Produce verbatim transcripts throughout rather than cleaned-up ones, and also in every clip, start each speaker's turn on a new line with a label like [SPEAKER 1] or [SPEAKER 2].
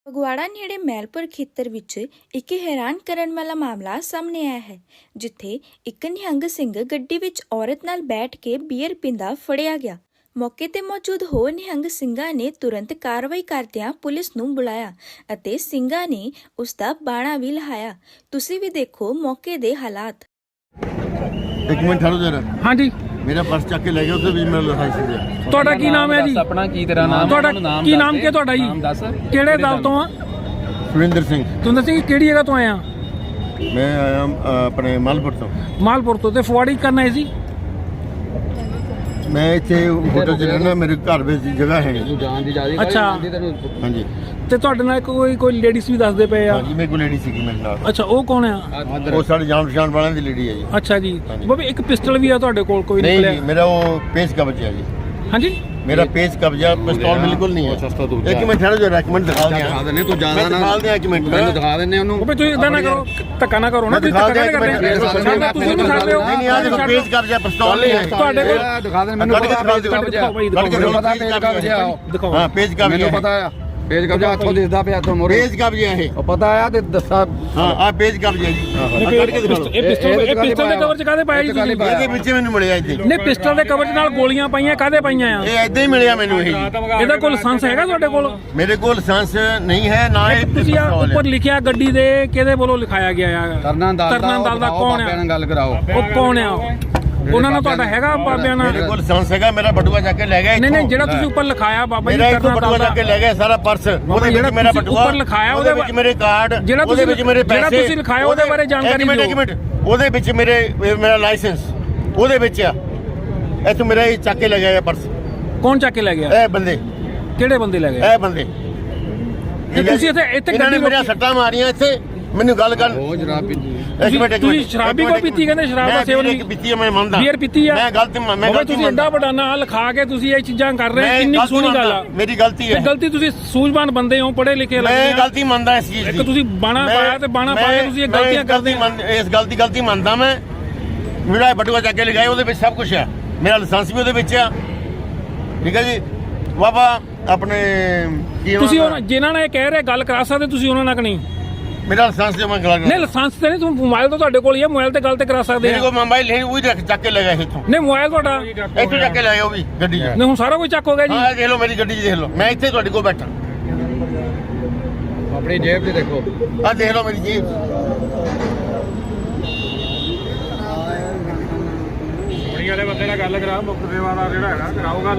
[SPEAKER 1] ਫਗਵਾੜਾ ਨੇੜੇ ਮੈਲਪੁਰ ਖੇਤਰ ਵਿੱਚ ਇੱਕ ਹੈਰਾਨ ਕਰਨ ਵਾਲਾ ਮਾਮਲਾ ਸਾਹਮਣੇ ਆਇਆ ਹੈ, ਜਿੱਥੇ ਇੱਕ ਨਿਹੰਗ ਸਿੰਘ ਗੱਡੀ ਵਿੱਚ ਔਰਤ ਨਾਲ ਬੈਠ ਕੇ ਬੀਅਰ ਪੀਂਦਾ ਫੜਿਆ ਗਿਆ। ਮੌਕੇ ਤੇ ਮੌਜੂਦ ਹੋਰ ਨਿਹੰਗ ਸਿੰਘਾਂ ਨੇ ਤੁਰੰਤ ਕਾਰਵਾਈ ਕਰਦਿਆਂ ਪੁਲਿਸ ਨੂੰ ਬੁਲਾਇਆ ਅਤੇ ਸਿੰਘਾਂ ਨੇ ਉਸ ਦਾ ਬਾਣਾ ਵੀ ਲਹਾਇਆ। ਤੁਸੀਂ ਵੀ ਦੇਖੋ ਮੌਕੇ ਦੇ ਹਾਲਾਤ।
[SPEAKER 2] ਇੱਕ ਮਿੰਟ ਠਹਿਰੋ ਜਰਾ।
[SPEAKER 3] ਹਾਂਜੀ,
[SPEAKER 2] ਮੇਰਾ ਪਰਸ ਚੱਕ ਕੇ ਲੈ ਗਿਆ, ਉੱਥੇ ਵੀ ਮੇਰਾ ਲਾਇਸੈਂਸ ਹੈ।
[SPEAKER 3] ਤੁਹਾਡਾ ਕੀ ਨਾਮ ਹੈ ਜੀ?
[SPEAKER 4] ਆਪਣਾ ਕੀ ਤੇਰਾ ਨਾਮ?
[SPEAKER 3] ਤੁਹਾਡਾ ਕੀ ਨਾਮ ਕੀ ਤੁਹਾਡਾ ਜੀ?
[SPEAKER 4] ਨਾਮ ਦੱਸ।
[SPEAKER 3] ਕਿਹੜੇ ਦਲ ਤੋਂ ਆ?
[SPEAKER 2] ਸੁਰਿੰਦਰ ਸਿੰਘ।
[SPEAKER 3] ਤੁਸੀਂ ਦੱਸੋ ਕਿਹੜੀ ਜਗ੍ਹਾ ਤੋਂ ਆਏ ਆ?
[SPEAKER 2] ਮੈਂ ਆਇਆ ਅ, ਆਪਣੇ ਮਾਲਪੁਰ ਤੋਂ।
[SPEAKER 3] ਮਾਲਪੁਰ ਤੋਂ। ਤੇ ਫੁਆੜੀ ਕਰਨ ਆਏ ਸੀ?
[SPEAKER 2] ਮੈਂ ਇੱਥੇ ਹੋਟਲ 'ਚ ਰਹਿਣਾ, ਮੇਰੇ ਘਰ ਵਿੱਚ ਜਗ੍ਹਾ ਹੈ ਨਹੀਂ।
[SPEAKER 4] ਜਾਣ ਦੀ ਜਾਦੀ
[SPEAKER 3] ਅੱਛਾ।
[SPEAKER 2] ਹਾਂਜੀ।
[SPEAKER 3] ਤੇ ਤੁਹਾਡੇ ਨਾਲ ਕੋਈ ਕੋਈ ਲੇਡੀਜ਼ ਵੀ ਦੱਸਦੇ ਪਏ ਆ?
[SPEAKER 2] ਹਾਂਜੀ, ਮੇਰੇ ਕੋਲ ਲੇਡੀ ਸੀਗੀ ਮੇਰੇ ਨਾਲ।
[SPEAKER 3] ਅੱਛਾ, ਉਹ ਕੌਣ ਆ?
[SPEAKER 2] ਉਹ ਸਾਡੇ ਜਾਣ ਪਛਾਣ ਵਾਲਿਆਂ ਦੀ ਲੇਡੀ ਹੈ ਜੀ।
[SPEAKER 3] ਅੱਛਾ ਜੀ।
[SPEAKER 2] ਹਾਂਜੀ।
[SPEAKER 3] ਬਾਬੇ ਇੱਕ ਪਿਸਟਲ ਵੀ ਆ ਤੁਹਾਡੇ ਕੋਲ? ਕੋਈ
[SPEAKER 2] ਨਹੀਂ
[SPEAKER 3] ਨਿਕਲਿਆ?
[SPEAKER 2] ਜੀ, ਮੇਰਾ ਉਹ ਪੇਜ ਕਬਜ਼ਾ ਜੀ।
[SPEAKER 3] ਹਾਂਜੀ,
[SPEAKER 2] ਮੇਰਾ ਪੇਜ ਕਬਜ਼ਾ, ਪਿਸਤੌਲ ਬਿਲਕੁਲ ਨਹੀਂ ਹੈ। ਇੱਕ ਮਿੰਟ ਠਹਿਰੋ ਜਰਾ, ਇੱਕ ਮਿੰਟ ਦਿਖਾ ਦਿਆਂ।
[SPEAKER 4] ਦਿਖਾ ਦਿੰਨੇ, ਤੂੰ ਜਾਣਾ ਨਾ
[SPEAKER 2] ਦਿਖਾ ਦਿਆਂ, ਇੱਕ ਮਿੰਟ
[SPEAKER 4] ਮੈਨੂੰ ਦਿਖਾ ਦਿੰਨੇ ਉਹਨੂੰ।
[SPEAKER 3] ਬਾਬੇ ਤੁਸੀਂ ਇਦਾਂ ਨਾ ਕਰੋ, ਧੱਕਾ ਨਾ ਕਰੋ ਨਾ। ਤੁਸੀਂ ਧੱਕਾ ਨਾ ਕਰਦੇ। ਤੁਸੀਂ ਨਹੀਂ ਛੱਡਦੇ ਹੋ।
[SPEAKER 2] ਨਹੀਂ ਨਹੀਂ, ਆ ਦੇਖੋ ਪੇਜ ਕਬਜ਼ਾ, ਪਿਸਤੌਲ ਨਹੀਂ ਹੈ
[SPEAKER 3] ਤੁਹਾਡੇ ਕੋਲ।
[SPEAKER 4] ਦਿਖਾ ਦੇ ਮੈਨੂੰ।
[SPEAKER 2] ਕੱਢ ਕੇ ਦਿਖਾ ਦਿਓ।
[SPEAKER 4] ਮੈਨੂੰ ਪਤਾ ਪੇਜ ਕਬਜ਼ਾ।
[SPEAKER 3] ਦਿਖਾਓ।
[SPEAKER 2] ਹਾਂ, ਪੇਜ ਕਬਜ਼ਾ
[SPEAKER 4] ਮੈਨੂੰ ਪਤਾ ਆ ਪੇਜ ਕਬਜ਼ਾ ਹੱਥੋਂ ਦਿਸਦਾ ਪਿਆ ਤੋਂ ਮੋਰੇ।
[SPEAKER 2] ਪੇਜ ਕਬਜ਼ਾ ਹੈ।
[SPEAKER 4] ਉਹ ਪਤਾ ਆ ਤੇ ਦੱਸਾ।
[SPEAKER 2] ਹਾਂ, ਆ ਪੇਜ ਕਬਜ਼ਾ ਜੀ। ਕੱਢ ਕੇ ਦਿਖਾ ਦਿਓ।
[SPEAKER 3] ਇਹ ਪਿਸਟਲ ਇਹ ਪਿਸਟਲ ਦੇ ਕਵਰ ਚ ਕਾਹਦੇ ਪਾਇਆ ਜੀ ਤੁਸੀਂ?
[SPEAKER 2] ਇਹਦੇ ਵਿੱਚ ਮੈਨੂੰ ਮਿਲਿਆ ਇੱਥੇ।
[SPEAKER 3] ਨਹੀਂ, ਪਿਸਟਲ ਦੇ ਕਵਰ ਚ ਨਾਲ ਗੋਲੀਆਂ ਪਾਈਆਂ, ਕਾਹਦੇ ਪਾਈਆਂ ਆ?
[SPEAKER 2] ਇਹ ਏਦਾਂ ਹੀ ਮਿਲਿਆ ਮੈਨੂੰ ਇਹ ਜੀ।
[SPEAKER 3] ਇਹਦਾ ਕੋਈ ਲਾਇਸੈਂਸ ਹੈਗਾ ਤੁਹਾਡੇ ਕੋਲ?
[SPEAKER 2] ਮੇਰੇ ਕੋਲ ਲਾਇਸੈਂਸ ਨਹੀਂ ਹੈ, ਨਾ ਇਹ
[SPEAKER 3] ਤੁਸੀਂ ਆ ਉੱਪਰ ਲਿਖਿਆ ਗੱਡੀ ਦੇ ਕਿਹਦੇ ਵੱਲੋਂ ਲਿਖਾਇਆ ਗਿਆ ਆ?
[SPEAKER 4] ਤਰਨਾ ਦਲ ਦਾ।
[SPEAKER 3] ਤਰਨਾ ਦਲ ਦਾ ਕੌਣ ਆ?
[SPEAKER 4] ਨਾਲ ਗੱਲ ਕਰਾਓ।
[SPEAKER 3] ਉਹ ਕੌਣ ਆ? ਉਹਨਾਂ ਨਾਲ ਤੁਹਾਡਾ ਹੈਗਾ ਬਾਬਿਆਂ ਨਾਲ?
[SPEAKER 2] ਮੇਰੇ ਕੋਲ ਲਾਇਸੈਂਸ ਹੈਗਾ, ਮੇਰਾ ਬਟੂਆ ਚੱਕ ਕੇ ਲੈ ਗਿਆ।
[SPEAKER 3] ਨਹੀਂ ਨਹੀਂ, ਜਿਹੜਾ ਤੁਸੀਂ ਉੱਪਰ ਲਿਖਾਇਆ ਬਾਬਾ ਜੀ
[SPEAKER 2] ਮੇਰਾ ਇੱਥੋਂ
[SPEAKER 3] ਤਰਨਾ
[SPEAKER 2] ਬਟੂਆ
[SPEAKER 3] ਦਲ
[SPEAKER 2] ਚੱਕ ਕੇ
[SPEAKER 3] ਦਾ,
[SPEAKER 2] ਲੈ ਗਿਆ ਸਾਰਾ ਪਰਸ। ਉਹਦੇ
[SPEAKER 3] ਜਿਹੜਾ
[SPEAKER 2] ਵਿੱਚ ਮੇਰਾ
[SPEAKER 3] ਤੁਸੀਂ
[SPEAKER 2] ਬਟੂਆ
[SPEAKER 3] ਉੱਪਰ ਲਿਖਾਇਆ,
[SPEAKER 2] ਉਹਦੇ ਵਿੱਚ ਮੇਰੇ ਕਾਰਡ,
[SPEAKER 3] ਜਿਹੜਾ
[SPEAKER 2] ਉਹਦੇ ਵਿੱਚ ਮੇਰੇ ਪੈਸੇ,
[SPEAKER 3] ਜਿਹੜਾ ਤੁਸੀਂ ਲਿਖਾਇਆ ਉਹਦੇ ਬਾਰੇ ਜਾਣਕਾਰੀ
[SPEAKER 2] ਇੱਕ ਮਿੰਟ ਇੱਕ ਮਿੰਟ, ਉਹਦੇ ਵਿੱਚ ਮੇਰੇ ਮੇਰਾ ਲਾਇਸੈਂਸ ਉਹਦੇ ਵਿੱਚ ਆ। ਇੱਥੋਂ ਮੇਰਾ ਇਹ ਚੱਕ ਕੇ ਲੈ ਗਿਆ ਪਰਸ।
[SPEAKER 3] ਕੌਣ ਚੱਕ ਕੇ ਲੈ ਗਿਆ?
[SPEAKER 2] ਇਹ ਬੰਦੇ।
[SPEAKER 3] ਕਿਹੜੇ ਬੰਦੇ ਲੈ ਗਏ?
[SPEAKER 2] ਇਹ ਬੰਦੇ।
[SPEAKER 3] ਤੇ ਤੁਸੀਂ ਇੱਥੇ ਇੱਥੇ
[SPEAKER 2] ਇਹਨਾਂ ਨੇ
[SPEAKER 3] ਗੱਡੀ
[SPEAKER 2] ਮੇਰੀਆਂ
[SPEAKER 3] ਰੋਕੀ?
[SPEAKER 2] ਸੱਟਾਂ ਮਾਰੀਆਂ ਇੱਥੇ। ਮੈਨੂੰ ਗੱਲ ਕਰ।
[SPEAKER 4] ਉਹ ਜਨਾਬ ਪੀਤੀ।
[SPEAKER 2] ਇੱਕ ਮਿੰਟ ਇੱਕ
[SPEAKER 3] ਤੁਸੀਂ
[SPEAKER 2] ਮਿੰਟ।
[SPEAKER 3] ਸ਼ਰਾਬ ਵੀ ਕੋਈ ਪੀਤੀ? ਕਹਿੰਦੇ ਸ਼ਰਾਬ ਦਾ ਸੇਵਨ ਵੀ
[SPEAKER 2] ਪੀਤੀ ਹੈ, ਮੈਂ ਮੰਨਦਾ।
[SPEAKER 3] ਬੀਅਰ ਪੀਤੀ ਆ?
[SPEAKER 2] ਮੈਂ ਗਲਤੀ ਮੈਂ
[SPEAKER 3] ਬਾਬਾ
[SPEAKER 2] ਗਲਤੀ
[SPEAKER 3] ਤੁਸੀਂ ਐਡਾ ਵੱਡਾ ਨਾਂ ਲਿਖਾ ਕੇ ਤੁਸੀਂ ਇਹ ਚੀਜ਼ਾਂ ਕਰ ਰਹੇ ਹੋ, ਕਿੰਨੀ ਸੋਹਣੀ ਗੱਲ ਆ।
[SPEAKER 2] ਮੇਰੀ ਗਲਤੀ ਹੈ।
[SPEAKER 3] ਤੇ ਗਲਤੀ, ਤੁਸੀਂ ਸੂਝਵਾਨ ਬੰਦੇ ਹੋ, ਪੜ੍ਹੇ ਲਿਖੇ ਲੱਗਦੇ
[SPEAKER 2] ਮੈਂ
[SPEAKER 3] ਆ।
[SPEAKER 2] ਗਲਤੀ ਮੰਨਦਾ ਇਸ ਚੀਜ਼ ਦੀ।
[SPEAKER 3] ਇੱਕ ਤੁਸੀਂ ਬਾਣਾ ਪਾਇਆ ਤੇ ਬਾਣਾ ਪਾ ਕੇ ਤੁਸੀਂ ਇਹ ਗਲਤੀਆਂ ਕਰਦੇ ਆ।
[SPEAKER 2] ਇਸ ਗਲਤੀ ਗਲਤੀ ਮੰਨਦਾ ਮੈਂ। ਮੇਰਾ ਬਟੂਆ ਚੱਕ ਕੇ ਲਗਾਇਆ, ਉਹਦੇ ਵਿੱਚ ਸਭ ਕੁਝ ਹੈ। ਮੇਰਾ ਲਾਇਸੈਂਸ ਵੀ ਉਹਦੇ ਵਿੱਚ ਆ। ਠੀਕ ਹੈ ਜੀ ਬਾਬਾ। ਆਪਣੇ ਕੀ
[SPEAKER 3] ਤੁਸੀਂ ਉਹਨਾਂ ਜਿਨ੍ਹਾਂ ਨਾਲ ਇਹ ਕਹਿ ਰਹੇ ਗੱਲ ਕਰਾ ਸਕਦੇ, ਤੁਸੀਂ ਉਹਨਾਂ ਨਾਲ ਨਹੀਂ?
[SPEAKER 2] ਮੇਰਾ ਲਾਇਸੈਂਸ ਜਮਾ ਕਰਾ
[SPEAKER 3] ਨਹੀਂ, ਲਾਇਸੈਂਸ ਤੇ ਨਹੀਂ, ਤੁਸੀਂ ਮੋਬਾਈਲ ਤਾਂ ਤੁਹਾਡੇ ਕੋਲ ਹੀ ਹੈ, ਮੋਬਾਈਲ ਤੇ ਗੱਲ ਤੇ ਕਰਾ ਸਕਦੇ
[SPEAKER 2] ਮੇਰੇ
[SPEAKER 3] ਆ।
[SPEAKER 2] ਕੋਲ ਮੋਬਾਈਲ ਹੈ, ਉਹ ਹੀ ਚੱਕ ਕੇ ਲਗਾਇਆ ਇੱਥੋਂ।
[SPEAKER 3] ਨਹੀਂ, ਮੋਬਾਈਲ ਤੁਹਾਡਾ
[SPEAKER 2] ਇੱਥੋਂ ਚੱਕ ਕੇ ਲਾਇਆ ਉਹ ਵੀ ਗੱਡੀ 'ਚ।
[SPEAKER 3] ਨਹੀਂ, ਹੁਣ ਸਾਰਾ ਕੁਝ ਚੱਕ ਹੋ ਗਿਆ ਜੀ।
[SPEAKER 2] ਹਾਂ, ਦੇਖ ਲਓ ਮੇਰੀ ਗੱਡੀ 'ਚ, ਦੇਖ ਲਓ ਮੈਂ ਇੱਥੇ ਤੁਹਾਡੇ ਕੋਲ ਬੈਠਾ।
[SPEAKER 4] ਆਪਣੀ ਜੇਬ 'ਚ ਦੇਖੋ।
[SPEAKER 2] ਆਹ ਦੇਖ ਲਓ ਮੇਰੀ ਜੀਬ।
[SPEAKER 3] ਕੁੜੀ ਵਾਲੇ ਬੰਦੇ ਨਾਲ ਗੱਲ ਕਰਾ, ਮੁੱਖ ਸੇਵਾ ਦਾ ਜਿਹੜਾ ਹੈਗਾ ਕਰਾਓ ਗੱਲ।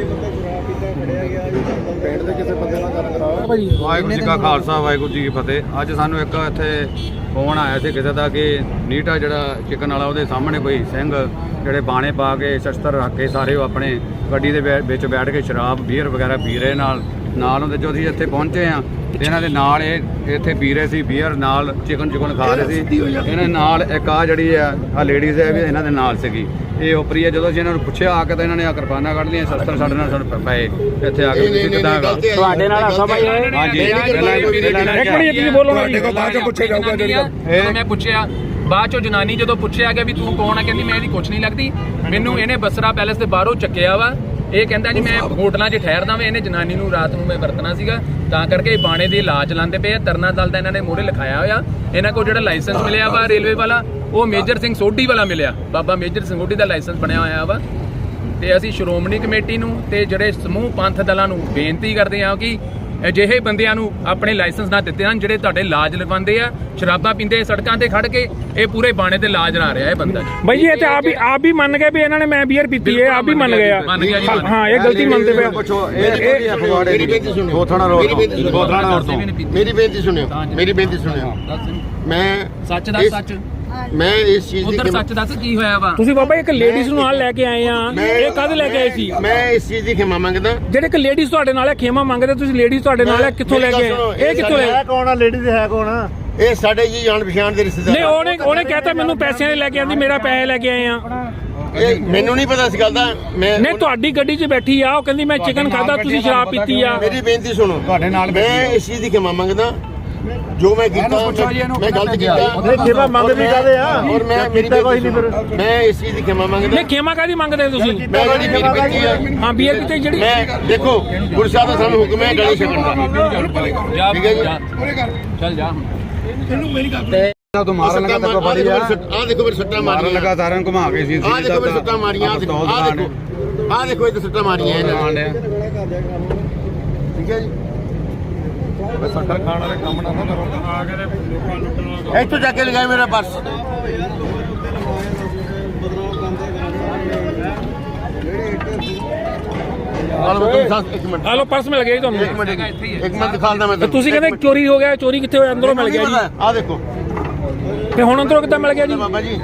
[SPEAKER 2] ਪਿੰਡ ਦੇ ਕਿਸੇ ਬੰਦੇ ਨਾਲ ਗੱਲ ਕਰਾਓ।
[SPEAKER 3] ਭਾਜੀ
[SPEAKER 4] ਵਾਹਿਗੁਰੂ ਜੀ ਕਾ ਖਾਲਸਾ, ਵਾਹਿਗੁਰੂ ਜੀ ਕੀ ਫਤਿਹ। ਅੱਜ ਸਾਨੂੰ ਇੱਕ ਇੱਥੇ ਫੋਨ ਆਇਆ ਸੀ ਕਿਸੇ ਦਾ ਕਿ ਨੀਟਾ ਜਿਹੜਾ ਚਿਕਨ ਵਾਲਾ, ਉਹਦੇ ਸਾਹਮਣੇ ਕੋਈ ਸਿੰਘ ਜਿਹੜੇ ਬਾਣੇ ਪਾ ਕੇ ਸ਼ਸਤਰ ਰੱਖ ਕੇ ਸਾਰੇ ਉਹ ਆਪਣੇ ਗੱਡੀ ਦੇ ਵਿੱਚ ਬੈਠ ਕੇ ਸ਼ਰਾਬ ਬੀਅਰ ਵਗੈਰਾ ਪੀ ਰਹੇ। ਨਾਲ ਨਾਲ ਹੁੰਦੇ ਜੋ ਅਸੀਂ ਇੱਥੇ ਪਹੁੰਚੇ ਆ ਤੇ ਇਹਨਾਂ ਦੇ ਨਾਲ ਇਹ ਇੱਥੇ ਪੀ ਰਹੇ ਸੀ ਬੀਅਰ, ਨਾਲ ਚਿਕਨ ਚਿਕਨ ਖਾ ਰਹੇ ਸੀ। ਇਹਨਾਂ ਨਾਲ ਇੱਕ ਆ ਜਿਹੜੀ ਆ ਆ ਲੇਡੀਜ਼ ਹੈ ਵੀ ਇਹਨਾਂ ਦੇ ਨਾਲ ਸੀਗੀ। ਇਹ ਉਪਰੀ ਹੈ। ਜਦੋਂ ਅਸੀਂ ਇਹਨਾਂ ਨੂੰ ਪੁੱਛਿਆ ਆ ਕੇ ਤਾਂ ਇਹਨਾਂ ਨੇ ਆ ਕਿਰਪਾਨਾਂ ਕੱਢ ਲਈਆਂ, ਸ਼ਸਤਰ ਸਾਡੇ ਨਾਲ ਸਾਨੂੰ ਪਏ ਇੱਥੇ ਆ ਕੇ। ਤੁਸੀਂ ਕਿੱਦਾਂ ਹੈਗਾ
[SPEAKER 3] ਤੁਹਾਡੇ ਨਾਲ ਹਾਸਾ ਭਾਈ ਹੋਏ?
[SPEAKER 4] ਹਾਂਜੀ,
[SPEAKER 3] ਇੱਕ ਮਿੰਟ ਤੁਸੀਂ ਬੋਲੋ ਨਾ ਜੀ।
[SPEAKER 5] ਬਾਅਦ ਚੋਂ ਪੁੱਛਿਆ ਜਾਊਗਾ ਜਦੋਂ ਮੈਂ ਪੁੱਛਿਆ। ਬਾਅਦ ਚੋਂ ਜਨਾਨੀ ਜਦੋਂ ਪੁੱਛਿਆ ਗਿਆ ਵੀ ਤੂੰ ਕੌਣ ਆ, ਕਹਿੰਦੀ ਮੈਂ ਇਹਦੀ ਕੁਛ ਨਹੀਂ ਲੱਗਦੀ, ਮੈਨੂੰ ਇਹਨੇ ਬਸਰਾ ਪੈਲੇਸ ਦੇ ਬਾਹਰੋਂ ਚੱਕਿਆ ਵਾ। ਇਹ ਕਹਿੰਦਾ ਜੀ ਮੈਂ ਹੋਟਲਾਂ 'ਚ ਠਹਿਰਦਾ ਵਾਂ। ਇਹਨੇ ਜਨਾਨੀ ਨੂੰ ਰਾਤ ਨੂੰ ਮੈਂ ਵਰਤਣਾ ਸੀਗਾ, ਤਾਂ ਕਰਕੇ ਇਹ ਬਾਣੇ ਦੇ ਇਲਾਜ ਲਾਉਂਦੇ ਪਏ ਆ। ਤਰਨਾ ਦਲ ਦਾ ਇਹਨਾਂ ਨੇ ਮੋਹਰੇ ਲਿਖਾਇਆ ਹੋਇਆ। ਇਹਨਾਂ ਕੋਲ ਜਿਹੜਾ ਲਾਇਸੈਂਸ ਮਿਲਿਆ ਵਾ ਰੇਲਵੇ ਵਾਲਾ, ਉਹ ਮੇਜਰ ਸਿੰਘ ਸੋਢੀ ਵਾਲਾ ਮਿਲਿਆ। ਬਾਬਾ ਮੇਜਰ ਸਿੰਘ ਸੋਢੀ ਦਾ ਲਾਇਸੈਂਸ ਬਣਿਆ ਹੋਇਆ ਵਾ। ਤੇ ਅਸੀਂ ਸ਼੍ਰੋਮਣੀ ਕਮੇਟੀ ਨੂੰ ਤੇ ਜਿਹੜੇ ਸਮੂਹ ਪੰਥ ਦਲਾਂ ਨੂੰ ਬੇਨਤੀ ਕਰਦੇ ਹਾਂ ਕਿ ਅਜਿਹੇ ਬੰਦਿਆਂ ਨੂੰ ਆਪਣੇ ਲਾਇਸੈਂਸ ਨਾ ਦਿੱਤੇ ਹਨ, ਜਿਹੜੇ ਤੁਹਾਡੇ ਲਾਜ ਲਗਵਾਉਂਦੇ ਆ, ਸ਼ਰਾਬਾਂ ਪੀਂਦੇ ਸੜਕਾਂ ਤੇ ਖੜ ਕੇ। ਇਹ ਪੂਰੇ ਬਾਣੇ ਤੇ ਲਾਜ ਲਾ ਰਿਹਾ ਇਹ ਬੰਦਾ।
[SPEAKER 3] ਬਾਈ ਜੀ ਇਹ ਤੇ ਆਪ ਵੀ ਆਪ ਵੀ ਮੰਨ ਗਏ ਵੀ ਇਹਨਾਂ ਨੇ ਮੈਂ ਬੀਅਰ ਪੀਤੀ ਹੈ, ਆਪ ਵੀ ਮੰਨ ਗਏ ਆ। ਹਾਂ, ਇਹ ਗਲਤੀ ਮੰਨਦੇ ਪਏ।
[SPEAKER 4] ਪੁੱਛੋ ਇਹ ਫਗਵਾੜੇ ਦੀ ਗੋਥਾਣਾ ਰੋਡ ਤੋਂ ਗੋਥਾਣਾ ਰੋਡ ਤੋਂ।
[SPEAKER 2] ਮੇਰੀ ਬੇਨਤੀ ਸੁਣਿਓ, ਮੇਰੀ ਬੇਨਤੀ ਸੁਣਿਓ। ਮੈਂ
[SPEAKER 5] ਸੱਚ ਦੱਸ, ਸੱਚ
[SPEAKER 2] ਮੈਂ ਇਸ ਚੀਜ਼
[SPEAKER 5] ਉਧਰ
[SPEAKER 2] ਦੀ
[SPEAKER 5] ਸੱਚ ਦੱਸ ਕੀ ਹੋਇਆ ਵਾ।
[SPEAKER 3] ਤੁਸੀਂ ਬਾਬਾ ਇੱਕ ਲੇਡੀਜ਼ ਨੂੰ ਨਾਲ ਲੈ ਕੇ ਆਏ ਆ, ਇਹ ਕਦ ਲੈ ਕੇ ਆਏ ਸੀ?
[SPEAKER 2] ਮੈਂ ਇਸ ਚੀਜ਼ ਦੀ ਖਿਮਾ ਮੰਗਦਾ।
[SPEAKER 3] ਜਿਹੜੇ ਇੱਕ ਲੇਡੀਜ਼ ਤੁਹਾਡੇ ਨਾਲ ਹੈ ਖੇਮਾ ਮੰਗਦੇ, ਤੁਸੀਂ ਲੇਡੀਜ਼ ਤੁਹਾਡੇ ਨਾਲ ਹੈ, ਕਿੱਥੋਂ ਲੈ ਕੇ ਆਏ? ਇਹ ਕਿੱਥੋਂ ਲੈ?
[SPEAKER 2] ਕੌਣ ਆ ਲੇਡੀਜ਼ ਹੈ ਕੌਣ ਆ? ਇਹ ਸਾਡੇ ਜੀ ਜਾਣ ਪਛਾਣ ਦੇ ਰਿਸ਼ਤੇਦਾਰ।
[SPEAKER 3] ਨਹੀਂ, ਉਹਨੇ ਉਹਨੇ ਕਹਿਤਾ ਮੈਨੂੰ ਪੈਸਿਆਂ ਦੇ ਲੈ ਕੇ ਆਂਦੀ, ਮੇਰਾ ਪੈਸੇ ਲੈ ਕੇ ਆਏ ਆ।
[SPEAKER 2] ਇਹ ਮੈਨੂੰ ਨਹੀਂ ਪਤਾ ਇਸ ਗੱਲ ਦਾ। ਮੈਂ
[SPEAKER 3] ਨਹੀਂ, ਤੁਹਾਡੀ ਗੱਡੀ 'ਚ ਬੈਠੀ ਆ, ਉਹ ਕਹਿੰਦੀ ਮੈਂ ਚਿਕਨ ਖਾਦਾ, ਤੁਸੀਂ ਸ਼ਰਾਬ ਪੀਤੀ ਆ।
[SPEAKER 2] ਮੇਰੀ ਬੇਨਤੀ ਸੁਣੋ,
[SPEAKER 4] ਤੁਹਾਡੇ ਨਾਲ
[SPEAKER 2] ਮੈਂ ਇਸ ਚੀਜ਼ ਦੀ ਖਿਮਾ ਮੰਗਦਾ। ਜੋ ਮੈਂ ਕੀਤਾ
[SPEAKER 4] ਪੁੱਛੋ ਜੀ ਇਹਨੂੰ
[SPEAKER 2] ਮੈਂ ਗਲਤ
[SPEAKER 4] ਕਿਹਨੇ
[SPEAKER 2] ਕੀਤਾ
[SPEAKER 4] ਭੇਜਿਆ?
[SPEAKER 2] ਖਿਮਾ ਮੰਗਦੇ ਕਾਦੇ ਆ ਔਰ ਮੈਂ ਮੇਰੀ ਕੋਈ ਨਹੀਂ ਫਿਰ ਮੈਂ ਇਸ ਚੀਜ਼ ਦੀ ਖਿਮਾ ਮੰਗਦਾ
[SPEAKER 3] ਨਹੀਂ ਖੇਮਾ ਕਾਦੀ ਮੰਗਦੇ ਤੁਸੀਂ
[SPEAKER 2] ਮੈਂ ਜਿਹੜੀ ਮੇਰੀ ਬੇਟੀ ਆ
[SPEAKER 3] ਹਾਂ ਬੀਅਰ ਪੀਤੀ ਜਿਹੜੀ
[SPEAKER 2] ਮੈਂ ਦੇਖੋ ਗੁਰੂ ਸਾਹਿਬ ਦਾ ਸਾਨੂੰ ਹੁਕਮ ਹੈ ਗਲੇ ਛਕਣ ਦਾ
[SPEAKER 5] ਜਾ
[SPEAKER 2] ਠੀਕ ਹੈ ਜੀ
[SPEAKER 5] ਚੱਲ ਜਾ
[SPEAKER 4] ਨਾ ਤੂੰ ਮਾਰਨ ਲੱਗਾ ਤੱਕ ਫੜੀ ਆ
[SPEAKER 2] ਆ ਦੇਖੋ ਮੇਰੇ ਸੱਟਾਂ
[SPEAKER 4] ਮਾਰਨ
[SPEAKER 2] ਮਾਰੀਆਂ
[SPEAKER 4] ਲੱਗਾ ਸਾਰਿਆਂ ਨੂੰ ਘੁਮਾ ਕੇ ਸੀ
[SPEAKER 2] ਆ ਦੇਖੋ ਮੇਰੇ ਸੱਟਾਂ ਮਾਰੀਆਂ ਆ ਦੇਖੋ ਆ ਦੇਖੋ ਆ ਦੇਖੋ ਇਹ ਸੱਟਾਂ ਮਾਰੀਆਂ ਇਹਨਾਂ ਨੇ ਠੀਕ ਹੈ ਜੀ
[SPEAKER 4] ਸੱਟਾ ਖਾਣ ਵਾਲੇ ਕੰਮ ਨਾ ਕਰੋ
[SPEAKER 2] ਇੱਥੋਂ ਜਾ ਕੇ ਲਗਾਏ ਮੇਰਾ ਪਰਸ ਇੱਕ ਮਿੰਟ
[SPEAKER 3] ਆ ਲੋ ਪਰਸ ਮਿਲ ਗਿਆ ਜੀ ਤੁਹਾਨੂੰ
[SPEAKER 2] ਇੱਕ ਮਿੰਟ ਇੱਕ ਮਿੰਟ ਦਿਖਾਉਂਦਾ ਮੈਂ
[SPEAKER 3] ਤੇ ਤੁਸੀਂ ਕਹਿੰਦੇ ਚੋਰੀ ਹੋ ਗਿਆ ਚੋਰੀ ਕਿੱਥੇ ਹੋਇਆ ਅੰਦਰੋਂ ਮਿਲ ਗਿਆ ਜੀ
[SPEAKER 2] ਆ ਦੇਖੋ
[SPEAKER 3] ਤੇ ਹੁਣ ਅੰਦਰੋਂ ਕਿੱਦਾਂ ਮਿਲ ਗਿਆ ਜੀ
[SPEAKER 2] ਬਾਬਾ ਜੀ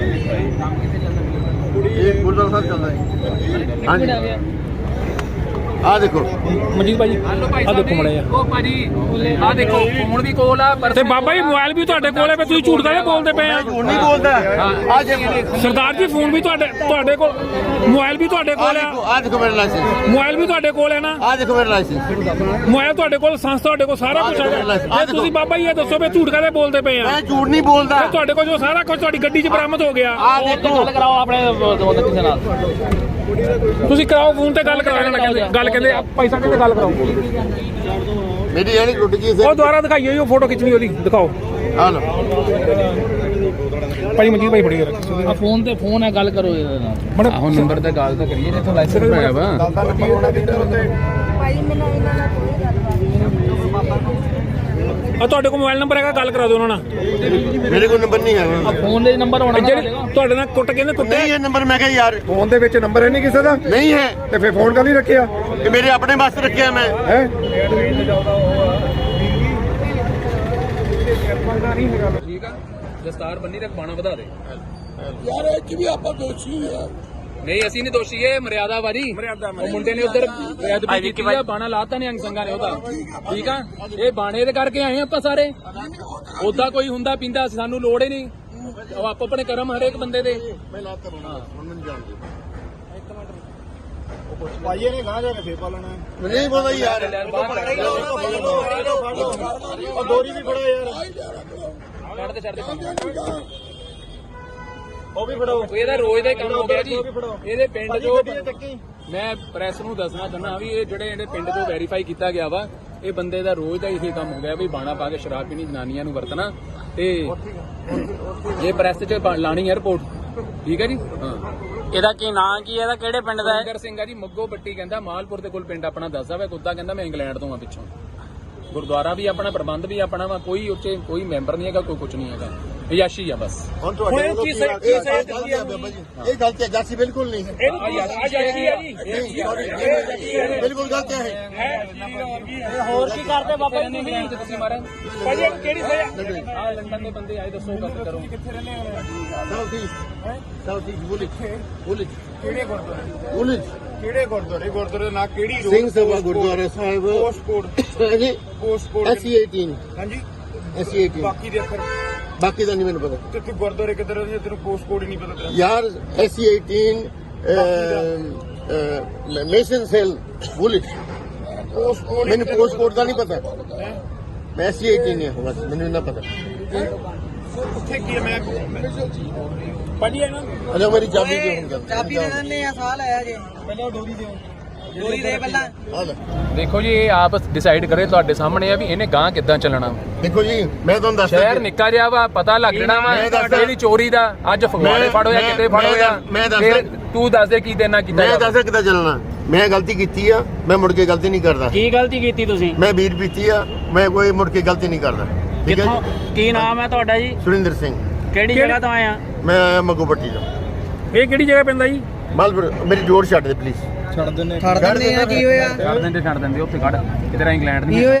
[SPEAKER 2] ਇਹ ਗੁਰਦੁਆਰਾ ਸਾਹਿਬ ਚੱਲਦਾ ਹੈ ਹਾਂਜੀ ਆ ਦੇਖੋ
[SPEAKER 3] ਮਨਜੀਤ ਭਾਜੀ ਆ ਦੇਖੋ ਮੜਿਆ
[SPEAKER 5] ਉਹ ਭਾਜੀ ਆ ਦੇਖੋ ਫੋਨ ਵੀ ਕੋਲ ਆ ਪਰ
[SPEAKER 3] ਤੇ ਬਾਬਾ ਜੀ ਮੋਬਾਈਲ ਵੀ ਤੁਹਾਡੇ ਕੋਲ ਹੈ ਵੀ ਤੁਸੀਂ ਝੂਠ ਕਾਹਦੇ ਬੋਲਦੇ ਪਏ ਆ
[SPEAKER 2] ਝੂਠ ਨਹੀਂ ਬੋਲਦਾ ਆ ਜੇ
[SPEAKER 3] ਸਰਦਾਰ ਜੀ ਫੋਨ ਵੀ ਤੁਹਾਡੇ ਤੁਹਾਡੇ ਕੋਲ ਮੋਬਾਈਲ ਵੀ ਤੁਹਾਡੇ
[SPEAKER 2] ਆ
[SPEAKER 3] ਕੋਲ
[SPEAKER 2] ਦੇਖੋ
[SPEAKER 3] ਆ
[SPEAKER 2] ਆ ਦੇਖੋ ਮੇਰਾ ਲਾਇਸੈਂਸ
[SPEAKER 3] ਮੋਬਾਈਲ ਵੀ ਤੁਹਾਡੇ ਕੋਲ ਹੈ ਨਾ
[SPEAKER 2] ਆ ਦੇਖੋ ਮੇਰਾ ਲਾਇਸੈਂਸ
[SPEAKER 3] ਮੋਬਾਈਲ ਤੁਹਾਡੇ ਕੋਲ ਸੰਸ ਤੁਹਾਡੇ ਕੋਲ ਸਾਰਾ ਕੁਝ ਹੈਗਾ ਤੇ ਤੁਸੀਂ ਬਾਬਾ ਜੀ ਇਹ ਦੱਸੋ ਵੀ ਝੂਠ ਕਾਹਦੇ ਬੋਲਦੇ ਪਏ ਆ
[SPEAKER 2] ਮੈਂ ਝੂਠ ਨਹੀਂ ਬੋਲਦਾ
[SPEAKER 3] ਤੇ ਤੁਹਾਡੇ ਕੋਲ ਜੋ ਸਾਰਾ ਕੁਝ ਤੁਹਾਡੀ ਗੱਡੀ 'ਚ ਬਰਾਮਦ ਹੋ ਗਿਆ
[SPEAKER 2] ਆ ਦੇਖੋ
[SPEAKER 5] ਗੱਲ ਕਰਾਓ ਆਪਣੇ ਦੋਸਤ ਕਿਸੇ ਨਾਲ
[SPEAKER 3] ਤੁਸੀਂ ਕਰਾਓ ਫੋਨ ਤੇ ਗੱਲ ਕਰਾਓ ਨਾ ਕਹਿੰਦੇ ਗੱਲ ਕਹਿੰਦੇ ਪੈਸਾ ਕਹਿੰਦੇ ਗੱਲ ਕਰਾਓ
[SPEAKER 2] ਮੇਰੀ ਇਹ ਨਹੀਂ ਟੁੱਟ ਗਈ
[SPEAKER 3] ਉਹ ਦੁਬਾਰਾ ਦਿਖਾਈਓ ਜੀ ਉਹ ਫੋਟੋ ਖਿੱਚਣੀ ਉਹਦੀ ਦਿਖਾਓ
[SPEAKER 2] ਆ ਲੋ
[SPEAKER 3] ਭਾਈ ਮਨਜੀਤ ਭਾਈ ਫੜੀ
[SPEAKER 5] ਆ ਫੋਨ ਤੇ ਫੋਨ ਹੈ ਗੱਲ ਕਰੋ ਇਹਦੇ ਨਾਲ
[SPEAKER 3] ਬੜਾ
[SPEAKER 5] ਆਹੋ ਨੰਬਰ ਤੇ ਗੱਲ ਤਾਂ ਕਰੀਏ ਜਿੱਥੋਂ ਲਾਇਸੈਂਸ ਬਣਾਇਆ ਵਾ
[SPEAKER 6] ਭਾਈ ਮੈਨੂੰ ਇਹਨਾਂ ਨਾਲ ਕੋਈ ਗੱਲਬਾਤ ਨਹੀਂ
[SPEAKER 3] ਆ ਤੁਹਾਡੇ ਕੋਲ ਮੋਬਾਈਲ ਨੰਬਰ ਹੈਗਾ ਗੱਲ ਕਰਾ ਦਿਓ ਉਹਨਾਂ ਨਾਲ
[SPEAKER 2] ਮੇਰੇ ਕੋਲ ਨੰਬਰ ਨਹੀਂ ਹੈ
[SPEAKER 5] ਫੋਨ ਦੇ ਨੰਬਰ ਹੋਣਾ
[SPEAKER 3] ਜਿਹੜੇ ਤੁਹਾਡੇ ਨਾਲ ਕੁੱਟ ਕਹਿੰਦੇ ਕੁੱਤੇ
[SPEAKER 2] ਨਹੀਂ ਇਹ ਨੰਬਰ ਮੈਂ ਕਿਹਾ ਯਾਰ
[SPEAKER 7] ਫੋਨ ਦੇ ਵਿੱਚ ਨੰਬਰ ਹੈ ਨਹੀਂ ਕਿਸੇ ਦਾ
[SPEAKER 2] ਨਹੀਂ ਹੈ
[SPEAKER 7] ਤੇ ਫਿਰ ਫੋਨ ਕਾਹਦੀ ਰੱਖਿਆ
[SPEAKER 2] ਇਹ ਮੇਰੇ ਆਪਣੇ ਵਾਸਤੇ ਰੱਖਿਆ ਮੈਂ
[SPEAKER 7] ਹੈ
[SPEAKER 5] ਠੀਕ ਆ ਦਸਤਾਰ ਬੰਨੀ ਰੱਖ ਬਾਣਾ ਵਧਾ ਦੇ
[SPEAKER 2] ਯਾਰ ਇਹ ਚ ਵੀ ਆਪਾਂ ਦੋਸ਼ੀ ਆ
[SPEAKER 5] ਨਹੀਂ ਅਸੀਂ ਨਹੀਂ ਦੋਸ਼ੀ ਇਹ ਮਰਿਆਦਾ ਵਾਰੀ ਉਹ ਮੁੰਡੇ ਨੇ ਉਧਰ ਬੇਅਦਬੀ ਕੀਤੀ ਆ ਬਾਣਾ ਲਾਤਾ ਨੇ ਅੰਗ ਸੰਗਾ ਨੇ ਉਹਦਾ ਠੀਕ ਆ ਇਹ ਬਾਣੇ ਦੇ ਕਰਕੇ ਆਏ ਆਪਾਂ ਸਾਰੇ ਉਦਾਂ ਕੋਈ ਹੁੰਦਾ ਪੀਂਦਾ ਸਾਨੂੰ ਲੋੜ ਹੀ ਨਹੀਂ ਉਹ ਆਪੋ ਆਪਣੇ ਕਰਮ ਹਰੇਕ ਬੰਦੇ ਦੇ
[SPEAKER 2] ਮੈਂ ਲਾਤਾ ਹੁਣ ਮੈਨੂੰ ਜਾਣਦੇ
[SPEAKER 7] ਭਾਈ ਇਹਨੇ ਗਾਂ ਜਾ ਕੇ ਫੇਰ ਪਾਲਣਾ
[SPEAKER 2] ਨਹੀਂ ਬੋਲਦਾ ਯਾਰ
[SPEAKER 7] ਉਹ ਦੋਰੀ ਵੀ ਫੜੋ ਯਾਰ
[SPEAKER 5] ਛੱਡ ਦੇ ਛੱਡ ਦੇ
[SPEAKER 7] ਉਹ ਵੀ ਫੜੋ
[SPEAKER 5] ਇਹਦਾ ਰੋਜ਼ ਦਾ ਹੀ ਕੰਮ ਹੋ ਗਿਆ ਜੀ ਇਹਦੇ ਪਿੰਡ ਜੋ ਮੈਂ ਪ੍ਰੈਸ ਨੂੰ ਦੱਸਣਾ ਚਾਹੁੰਦਾ ਵੀ ਇਹ ਜਿਹੜੇ ਇਹਦੇ ਪਿੰਡ ਤੋਂ ਵੈਰੀਫਾਈ ਕੀਤਾ ਗਿਆ ਵਾ ਇਹ ਬੰਦੇ ਦਾ ਰੋਜ਼ ਦਾ ਇਹੀ ਕੰਮ ਹੋ ਗਿਆ ਵੀ ਬਾਣਾ ਪਾ ਕੇ ਸ਼ਰਾਬ ਪੀਣੀ ਜਨਾਨੀਆਂ ਨੂੰ ਵਰਤਣਾ ਤੇ ਇਹ ਪ੍ਰੈਸ 'ਚ ਲਾਣੀ ਹੈ ਰਿਪੋਰਟ ਠੀਕ ਹੈ ਜੀ ਹਾਂ
[SPEAKER 8] ਇਹਦਾ ਕੀ ਨਾਂ ਕੀ ਇਹਦਾ ਕਿਹੜੇ ਪਿੰਡ ਦਾ ਹੈ
[SPEAKER 5] ਸੁਰਿੰਦਰ ਸਿੰਘ ਆ ਜੀ ਮੱਗੋ ਪੱਟੀ ਕਹਿੰਦਾ ਮਾਲਪੁਰ ਦੇ ਕੋਲ ਪਿੰਡ ਆਪਣਾ ਦੱਸਦਾ ਵਾ ਕੁੱਤਾ ਕਹਿੰਦਾ ਮੈਂ ਇੰਗਲੈਂਡ ਤੋਂ ਆ ਪਿੱਛੋਂ ਗੁਰਦੁਆਰਾ ਵੀ ਆਪਣਾ ਪ੍ਰਬੰਧ ਵੀ ਆਪਣਾ ਵਾ ਕੋਈ ਉੱਚੇ ਕੋਈ ਮੈਂਬਰ ਨਹੀਂ ਹੈਗਾ ਕੋਈ ਕੁਝ ਨਹੀਂ ਹੈਗਾ ਯਾਸ਼ੀ ਆ ਬਸ
[SPEAKER 2] ਹੁਣ ਤੁਹਾਡੇ ਵੱਲੋਂ ਕੀ ਇਹ ਬਾਬਾ ਜੀ ਇਹ ਗਲਤ ਹੈ ਜਾਸੀ ਬਿਲਕੁਲ ਨਹੀਂ ਹੈ
[SPEAKER 5] ਆ ਯਾਸ਼ੀ ਆ ਜੀ
[SPEAKER 2] ਬਿਲਕੁਲ ਗਲਤ ਹੈ
[SPEAKER 8] ਹੋਰ ਕੀ ਕਰਦੇ ਬਾਬਾ ਜੀ
[SPEAKER 5] ਨਹੀਂ ਤੁਸੀਂ ਮਾਰਾ
[SPEAKER 3] ਭਾਜੀ ਕਿਹੜੀ ਸਜ਼ਾ
[SPEAKER 5] ਆ ਲੰਡਨ ਦੇ ਬੰਦੇ ਆਏ ਦੱਸੋ ਗੱਲ ਕਰੋ
[SPEAKER 2] ਸਾਊਥ ਈਸਟ ਸਾਊਥ ਈਸਟ ਬੁਲਿਜ ਬੁਲਿਜ
[SPEAKER 7] ਕਿਹੜੇ ਗੁਰਦੁਆਰੇ
[SPEAKER 2] ਬੁਲਿਜ
[SPEAKER 7] ਕਿਹੜੇ ਗੁਰਦੁਆਰੇ ਗੁਰਦੁਆਰੇ ਦਾ ਨਾਂ ਕਿਹੜੀ
[SPEAKER 2] ਸਿੰਘ ਸਭਾ ਗੁਰਦੁਆਰਾ ਸਾਹਿਬ
[SPEAKER 7] ਪੋਸਟ ਕੋਡ
[SPEAKER 2] ਜੀ
[SPEAKER 7] ਪੋਸਟ ਕੋਡ
[SPEAKER 2] ਐਸਸੀ ਅਠਾਰਾਂ
[SPEAKER 7] ਹਾਂਜੀ
[SPEAKER 2] ਐਸਸੀ ਅਠਾਰਾਂ
[SPEAKER 7] ਬਾਕੀ ਦੇ ਅੱਖਰ
[SPEAKER 2] ਬਾਕੀ ਦਾ ਨਹੀਂ ਮੈਨੂੰ ਪਤਾ
[SPEAKER 7] ਤੇ ਤੂੰ ਗੁਰਦੁਆਰੇ ਕਿੱਧਰ ਹੈ ਤੈਨੂੰ ਪੋਸਟ ਕੋਡ ਹੀ ਨਹੀਂ ਪਤਾ ਤੇਰਾ
[SPEAKER 2] ਯਾਰ ਐਸਸੀ ਅਠਾਰਾਂ ਮੇਸ਼ਨ ਸੈਲ ਬੁਲਿਜ
[SPEAKER 7] ਪੋਸਟ ਕੋਡ
[SPEAKER 2] ਮੈਨੂੰ ਪੋਸਟ ਕੋਡ ਦਾ ਨਹੀਂ ਪਤਾ ਮੈਂ ਐਸਸੀ ਅਠਾਰਾਂ ਨੇ ਬਸ ਮੈਨੂੰ ਨਾ ਪਤਾ
[SPEAKER 7] ਉੱਥੇ ਕੀ ਹੈ ਮੈਂ
[SPEAKER 3] ਭਾਜੀ ਇਹਨਾਂ
[SPEAKER 2] ਅਜਾ ਮੇਰੀ ਚਾਬੀ ਦਿਓ ਹੁਣ
[SPEAKER 6] ਚਾਬੀ ਦੇ ਦਿੰਦੇ ਆ ਸਾਲ ਆਇਆ ਜੇ
[SPEAKER 7] ਪਹਿਲਾਂ ਡੋਰੀ ਦਿਓ
[SPEAKER 6] ਡੋਰੀ ਦੇ ਪਹਿਲਾਂ
[SPEAKER 2] ਆ ਲੈ
[SPEAKER 5] ਦੇਖੋ ਜੀ ਇਹ ਆਪ ਡਿਸਾਈਡ ਕਰੇ ਤੁਹਾਡੇ ਸਾਹਮਣੇ ਆ ਵੀ ਇਹਨੇ ਗਾਂ ਕਿੱਦਾਂ ਚੱਲਣਾ
[SPEAKER 2] ਦੇਖੋ ਜੀ ਮੈਂ ਤੁਹਾਨੂੰ ਦੱਸਦਾ
[SPEAKER 5] ਸ਼ਹਿਰ ਨਿੱਕਾ ਜਿਹਾ ਵਾ ਪਤਾ ਲੱਗ ਜਣਾ ਵਾ
[SPEAKER 2] ਮੈਂ ਦੱਸਦਾ-
[SPEAKER 5] ਇਹਦੀ ਚੋਰੀ ਦਾ ਅੱਜ ਫਗਵਾੜੇ
[SPEAKER 2] ਮੈਂ-
[SPEAKER 5] ਫੜੋ ਜਾਂ
[SPEAKER 2] ਮੈਂ-
[SPEAKER 5] ਕਿਤੇ ਫੜੋ
[SPEAKER 2] ਮੈਂ
[SPEAKER 5] ਜਾਂ
[SPEAKER 2] ਦੱਸ- ਮੈਂ ਦੱਸਦਾ-
[SPEAKER 5] ਫਿਰ ਤੂੰ ਦੱਸ ਦੇ ਕੀ ਦੇਣਾ ਕੀਤਾ
[SPEAKER 2] ਮੈਂ
[SPEAKER 5] ਜਾਵੇ।
[SPEAKER 2] ਦੱਸਦਾ ਕਿੱਦਾਂ ਚੱਲਣਾ ਮੈਂ ਗਲਤੀ ਕੀਤੀ ਆ ਮੈਂ ਮੁੜ ਕੇ ਗਲਤੀ ਨਹੀਂ ਕਰਦਾ
[SPEAKER 8] ਕੀ ਗਲਤੀ ਕੀਤੀ ਤੁਸੀਂ
[SPEAKER 2] ਮੈਂ ਵੀਰ ਪੀਤੀ ਆ ਮੈਂ ਕੋਈ ਮੁੜ ਕੇ ਗਲਤੀ ਨਹੀਂ ਕਰਦਾ ਠੀਕ ਹੈ
[SPEAKER 8] ਕਿੱਥੋਂ
[SPEAKER 2] ਜੀ
[SPEAKER 8] ਕੀ ਨਾਮ ਹੈ ਤੁਹਾਡਾ ਜੀ
[SPEAKER 2] ਸੁਰਿੰਦਰ ਸਿੰਘ
[SPEAKER 8] ਕਿਹੜੀ ਜਗ੍ਹਾ ਤੋਂ ਆਏ ਆ
[SPEAKER 2] ਮੈਂ ਆਇਆ ਮੱਗੂ ਪੱਟੀ ਤੋਂ
[SPEAKER 3] ਇਹ ਕਿਹੜੀ ਜਗ੍ਹਾ ਪੈਂਦਾ ਜੀ
[SPEAKER 2] ਮਾਲਪੁਰ ਮੇਰੀ ਜੋੜ ਛੱਡ ਦੇ ਪਲੀਜ਼
[SPEAKER 7] ਛੱਡ ਦਿੰਨੇ
[SPEAKER 6] ਛੱਡ ਦਿੰਦੇ ਆ ਕੀ ਹੋਇਆ
[SPEAKER 5] ਛੱਡ ਦਿੰਦੇ ਛੱਡ ਦਿੰਦੇ ਉੱਥੇ ਕੱਢ ਕਿਤੇ ਇੰਗਲੈਂਡ ਨਹੀਂ